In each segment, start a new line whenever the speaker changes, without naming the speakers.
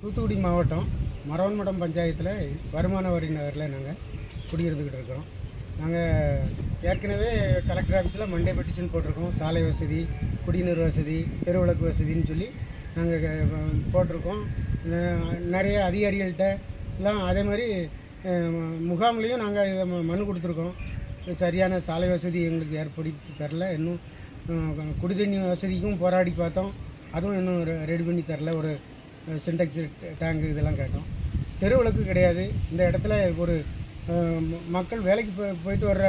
தூத்துக்குடி மாவட்டம் மரவன்மடம் பஞ்சாயத்தில் வருமான வரி நகரில் நாங்கள் குடியிருந்துக்கிட்டு இருக்கிறோம். நாங்கள் ஏற்கனவே கலெக்டர் ஆஃபீஸில் மண்டே பெட்டிஷன் போட்டிருக்கோம். சாலை வசதி, குடிநீர் வசதி, தெருவிளக்கு வசதின்னு சொல்லி நாங்கள் போட்டிருக்கோம். நிறைய அதிகாரிகள்கிட்ட எல்லாம் அதே மாதிரி முகாம்லேயும் நாங்கள் இதை மனு கொடுத்துருக்கோம். சரியான சாலை வசதி எங்களுக்கு ஏற்படுத்தி தரல. இன்னும் குடிதண்ணி வசதிக்கும் போராடி பார்த்தோம், அதுவும் இன்னும் ரெடி பண்ணி தரல. ஒரு சின்டெக்ஸ் டேங்கு இதெல்லாம் கேட்டோம். தெருவிளக்கு கிடையாது. இந்த இடத்துல ஒரு மக்கள் வேலைக்கு போயிட்டு வர்ற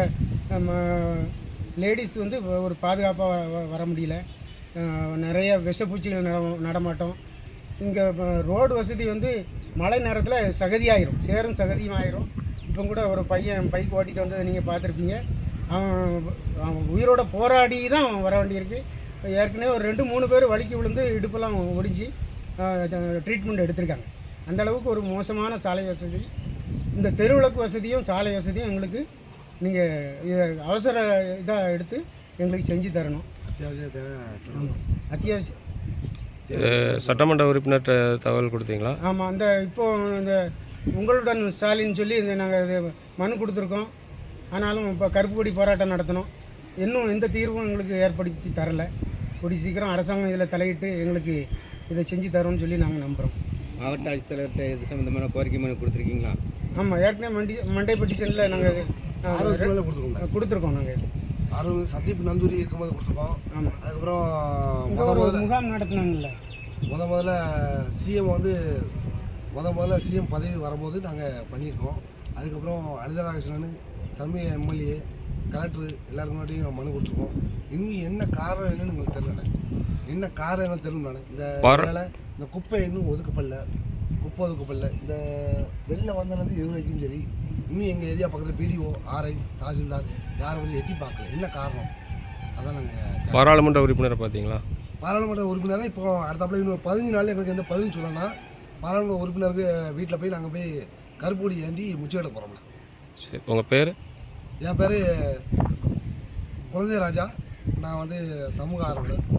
லேடிஸ் வந்து ஒரு பாதுகாப்பாக வர முடியல. நிறைய விஷப்பூச்சிகள் நடமாட்டம். இங்கே ரோடு வசதி வந்து மழை நேரத்தில் சகதியாயிரும், சேரும் சகதியும் ஆயிரும். இப்போ கூட ஒரு பையன் பைக் ஓட்டிகிட்டு வந்ததை நீங்கள் பார்த்துருப்பீங்க. அவன் உயிரோட போராடி தான் வர வேண்டியிருக்கு. ஏற்கனவே ஒரு 2-3 பேர் வலிக்கு விழுந்து இடுப்பெல்லாம் ஒடிஞ்சு ட்ரீட்மெண்ட் எடுத்திருக்காங்க. அந்தளவுக்கு ஒரு மோசமான சாலை வசதி. இந்த தெருவிளக்கு வசதியும் சாலை வசதியும் எங்களுக்கு நீங்கள் இதை அவசர இதாக எடுத்து எங்களுக்கு செஞ்சு தரணும். அத்தியாவசியம்.
சட்டமன்ற உறுப்பினர் தகவல் கொடுத்தீங்களா?
ஆமாம், இப்போது இந்த உங்களுடன் ஸ்டாலின் சொல்லி நாங்கள் இது மனு கொடுத்துருக்கோம். ஆனாலும் இப்போ கருப்பு கொடி போராட்டம் நடத்தணும். இன்னும் எந்த தீர்வும் எங்களுக்கு ஏற்படுத்தி தரலை. கூடி சீக்கிரம் அரசாங்கம் இதில் தலையிட்டு எங்களுக்கு இதை செஞ்சு தரோம்னு சொல்லி நாங்கள் நம்புகிறோம்.
மாவட்ட ஆட்சித்தலைவர்கிட்ட இது சம்மந்தமான கோரிக்கை மனு கொடுத்துருக்கீங்களா?
ஆமாம், ஏற்கனவே மண்டே பெட்டிஷனில் நாங்கள் கொடுத்துருக்கோம். நாங்கள்
சந்தீப் நந்தூரி இருக்கும்போது கொடுத்துருக்கோம்.
ஆமாம்,
அதுக்கப்புறம்
ஒரு முகாம் நடத்தினாங்கல்ல.
முதல்ல சிஎம் வந்து முதல்ல சிஎம் பதவி வரும்போது நாங்கள் பண்ணியிருக்கோம். அதுக்கப்புறம் அனிதராகிருஷ்ணன், சமய எம்எல்ஏ, கலெக்டர் எல்லாருக்கும் முன்னாடியும் மனு கொடுத்துருக்கோம். இன்னும் என்ன காரணம் என்னன்னு எங்களுக்கு தெரியல. என்ன காரணம் என்ன தெரியல. இந்த வேலை இந்த குப்பை இன்னும் ஒதுக்கப்படல, குப்பை ஒதுக்கப்படல. இந்த வெளில வந்ததுலேருந்து இது வரைக்கும் சரி, இன்னும் எங்கள் ஏரியா பக்கத்தில் பிடிஓ, ஆர்ஐ, தாசில்தார் யாரும் வந்து எட்டி பார்க்கல. என்ன காரணம்? அதான் நாங்கள்
பாராளுமன்ற உறுப்பினரை பார்த்தீங்களா?
பாராளுமன்ற உறுப்பினராக இப்போ அடுத்தாப்புல இன்னும் 15 நாள் எங்களுக்கு எந்த பதில் சொல்லணும்னா பாராளுமன்ற உறுப்பினருக்கு வீட்டில் போய் நாங்கள் போய் கருப்பொடி ஏந்தி முச்சையிட போகிறோம்ல.
சரி, உங்கள் பேர்?
என் பேர் குழந்தை ராஜா. நான் வந்து சமூக ஆர்வலர்.